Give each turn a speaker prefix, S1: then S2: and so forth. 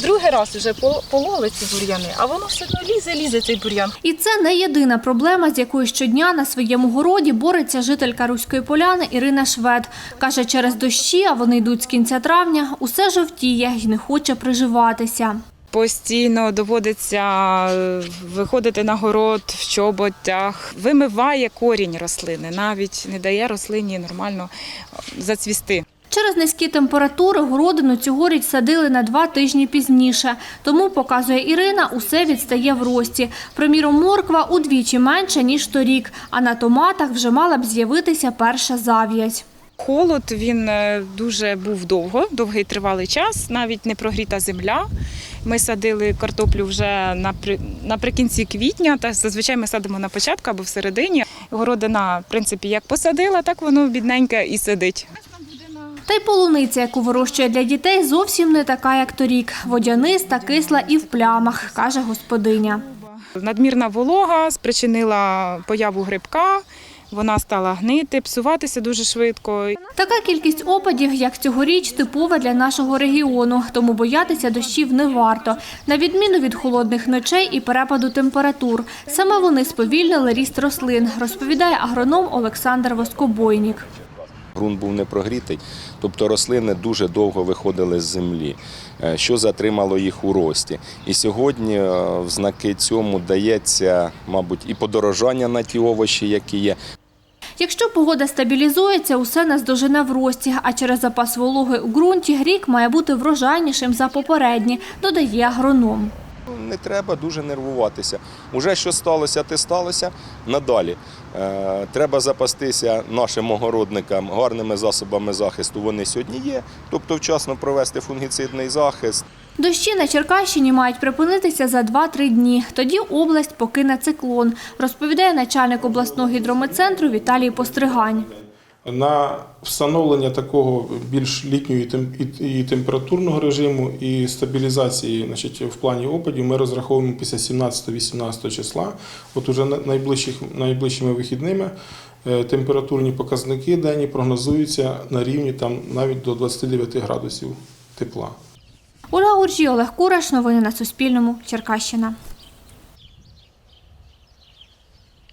S1: Другий раз вже пололи ці бур'яни, а воно все одно лізе цей бур'ян.
S2: І це не єдина проблема, з якою щодня на своєму городі бореться жителька Руської Поляни Ірина Швед. Каже, через дощі, а вони йдуть з кінця травня, усе жовтіє і не хоче приживатися.
S1: Постійно доводиться виходити на город в чоботях, вимиває корінь рослини, навіть не дає рослині нормально зацвісти.
S2: Через низькі температури городину цьогоріч садили на 2 тижні пізніше. Тому, показує Ірина, усе відстає в рості. Приміром, морква удвічі менше, ніж торік, а на томатах вже мала б з'явитися перша зав'язь.
S1: Холод, він дуже був довгий тривалий час, навіть не прогріта земля. Ми садили картоплю вже наприкінці квітня, та зазвичай ми садимо на початку або всередині. Городина, в принципі, як посадила, так воно бідненьке і сидить.
S2: Та й полуниця, яку вирощує для дітей, зовсім не така, як торік. Водяниста, кисла і в плямах, каже господиня.
S1: Надмірна волога спричинила появу грибка. Вона стала гнити, псуватися дуже швидко.
S2: Така кількість опадів, як цьогоріч, типова для нашого регіону, тому боятися дощів не варто. На відміну від холодних ночей і перепаду температур. Саме вони сповільнили ріст рослин, розповідає агроном Олександр Воскобойнік.
S3: Ґрунт був не прогрітий, тобто рослини дуже довго виходили з землі, що затримало їх у рості. І сьогодні в знаки цьому дається, мабуть, і подорожання на ті овочі, які є.
S2: Якщо погода стабілізується, усе наздожене в рості, а через запас вологи у ґрунті рік має бути врожайнішим за попередні, додає агроном.
S3: Не треба дуже нервуватися. Уже що сталося, те сталося. Надалі треба запастися нашим огородникам гарними засобами захисту. Вони сьогодні є, тобто вчасно провести фунгіцидний захист.
S2: Дощі на Черкащині мають припинитися за 2-3 дні. Тоді область покине циклон, розповідає начальник обласного гідрометцентру Віталій Постригань.
S4: На встановлення такого більш літнього і температурного режиму і стабілізації, в плані опадів ми розраховуємо після 17-18 числа. От уже найближчими вихідними температурні показники денні прогнозуються на рівні навіть до 29 градусів тепла.
S2: Ольга Гуржій, Олег Кураш. Новини на Суспільному. Черкащина.